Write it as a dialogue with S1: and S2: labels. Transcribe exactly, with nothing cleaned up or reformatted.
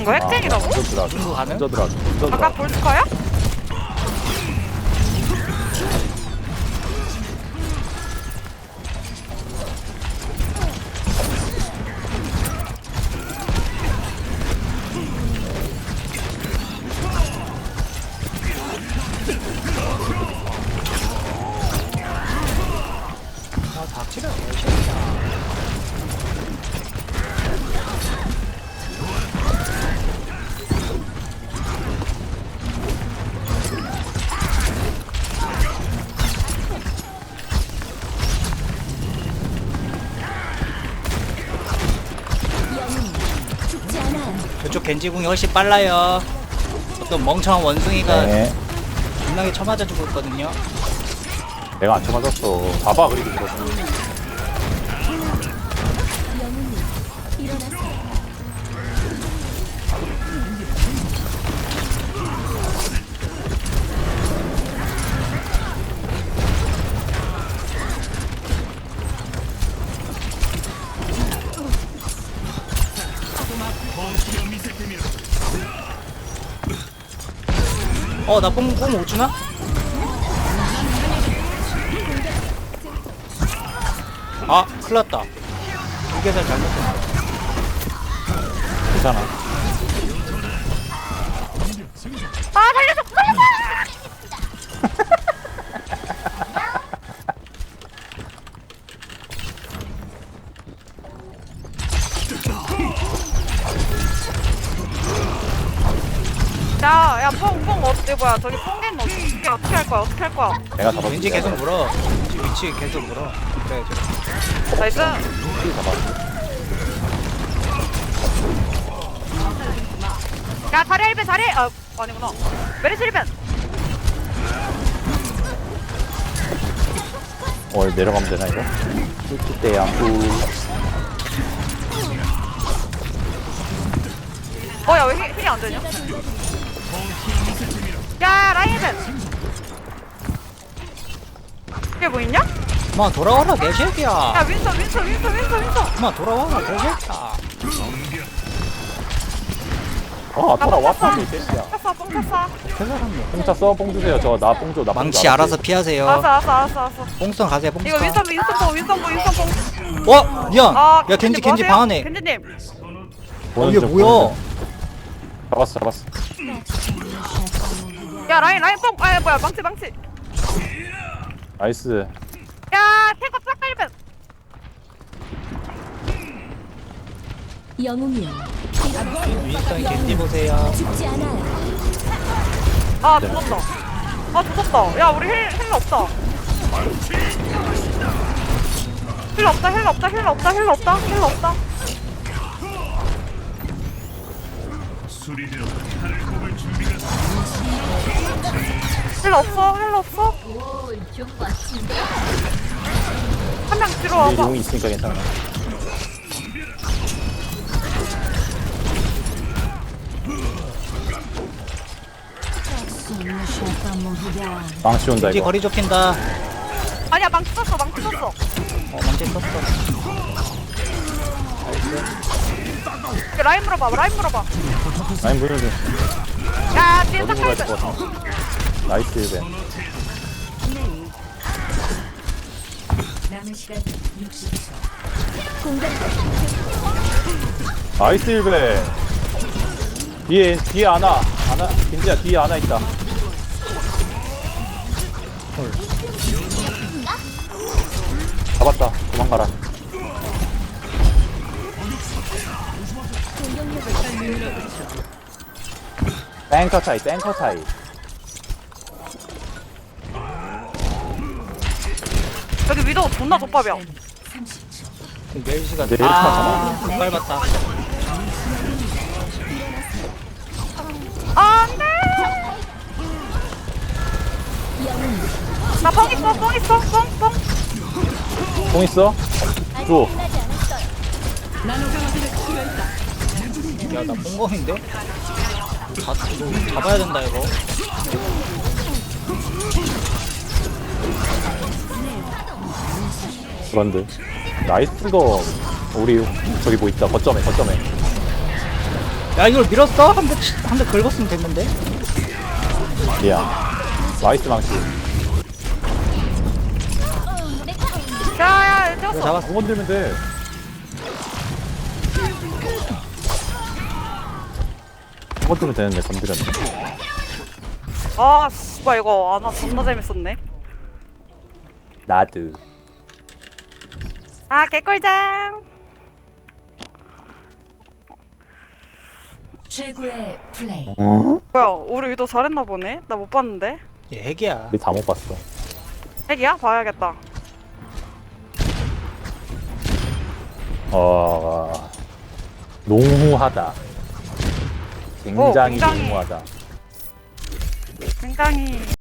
S1: 이거 핵쟁이라고?
S2: 먼저 들어가죠.
S3: 중국 가능?
S2: 먼저 들어가죠. 먼저
S1: 아까
S2: 들어가죠.
S1: 볼스커야?
S3: 아 닥치라 개새끼야. 저쪽 겐지궁이 훨씬 빨라요. 어떤 멍청한 원숭이가
S2: 네.
S3: 겁나게 쳐맞아주고 있거든요.
S2: 내가 안 쳐맞았어. 봐봐 그리고 들었어.
S3: 어, 나 뽕, 뽕 못 주나? 아, 큰일 났다. 이게살 잘못했어.
S2: 괜찮아.
S1: 아 살려줘! 살려줘! 야, 야, 뽕, 뽕, 어때, 뭐야, 저기 뽕겐 어떻게, 어떻게 할 거야, 어떻게 할 거야?
S2: 내가 잡았어.
S3: 왠지 계속 물어. 왠지 위치 계속 물어. 그래, 그래.
S1: 나이스.
S2: 잡았어.
S1: 야, 다리 일 벤, 다리! 아, 아니구나. 메리스 일 벤!
S2: 어 내려가면 되나 이거? 꿀팁 때야 꿀.
S1: 어, 야, 왜 힐, 힐이 안 되냐? 야, 라인 일 벤! 이게 뭐 있냐?
S3: 그만 돌아와라, 개새끼야.
S1: 야, 윈서, 윈서, 윈서, 윈서, 윈서!
S3: 그만 돌아와라, 개새끼야.
S2: 아 돌아왔어 이 새끼야.
S1: 쳤어, 뽕 쳤어.
S3: 개사람이야.
S2: 뽕차 써, 뽕 주세요. 저 나 뽕 줘. 나 뽕
S3: 망치
S2: 줘.
S3: 알아서 피하세요.
S1: 알았어, 알았어, 알았어, 알았어.
S3: 뽕선 가세요, 뽕선.
S1: 이거 윈선, 윈선 뽕, 윈선 뽕, 윈선 뽕.
S3: 어, 미안.
S1: 아,
S3: 야, 겐지,
S1: 뭐
S3: 겐지
S1: 하세요?
S3: 방 안에.
S1: 겐지님.
S3: 어,
S2: 보는
S3: 이게
S2: 중,
S3: 뭐야?
S2: 보는 중. 잡았어 잡았어.
S1: 야, 라인, 라인 뽕! 아, 뭐야, 망치, 망치.
S2: 나이스.
S1: 야, 탱커 싹 일 벤!
S4: 영웅이여
S3: 윈스턴 겐지 보세요.
S4: 죽지 않아요.
S1: 아, 죽었다. 아, 죽었다. 야, 우리 힐, 힐 없다. 힐 없다, 힐 없다, 힐 없다, 힐 없다, 힐 없다. 힐 없어, 힐 없어. 한 명 뒤로
S2: 이제
S1: 와봐.
S2: 용이 있으니까 괜찮아. 망치 온다
S3: 겐지
S2: 이거.
S3: 거리 좁힌다.
S1: 아니야, 망치 썼어, 망치 썼어.
S3: 어, 망치 썼어.
S1: 그 라인 물어봐, 라인 물어봐.
S2: 라인 보는 중.
S1: 야, 뒤에
S2: 어디
S1: 싹
S2: 보라
S1: 일 벤.
S2: 할것 같아. 나이스 일벤. 나이스 일벤. 뒤에 뒤에 하나 하나 김지야 뒤에 하나 있다. 헐. 잡았다. 도망가라. 탱커 차이 탱커 차이.
S1: 여기 위도우 존나 족밥이야.
S3: 멜시가
S2: 내일
S3: 아, 못 밟았다.
S1: 아, 안 돼! 나 뻥 있어, 뻥 있어, 뻥, 뻥.
S2: 공 있어? 줘.
S3: 야, 나 뽕검인데? 다, 이거 잡아야 된다, 이거.
S2: 그런데 나이스 거 우리 저기 뭐 있다 거점에 거점에.
S3: 야 이걸 밀었어? 한 대 한 대 긁었으면 됐는데.
S2: 미안. 나이스 망치.
S1: 야야
S2: 이거
S1: 쪘어.
S2: 잡았어. 공 건들면 돼. 공 건들면 되는데 건드렸네.
S1: 아 씨발 이거 아나 존나 재밌었네.
S2: 나드.
S1: 아 개꿀잼.
S4: 최고의 플레이.
S1: 뭐야 우리 위도 잘했나 보네. 나 못 봤는데.
S3: 얘 핵이야.
S2: 우리 다 못 봤어.
S1: 핵이야? 봐야겠다.
S2: 어, 농후하다. 굉장히,
S1: 굉장히.
S2: 농후하다.
S1: 굉장히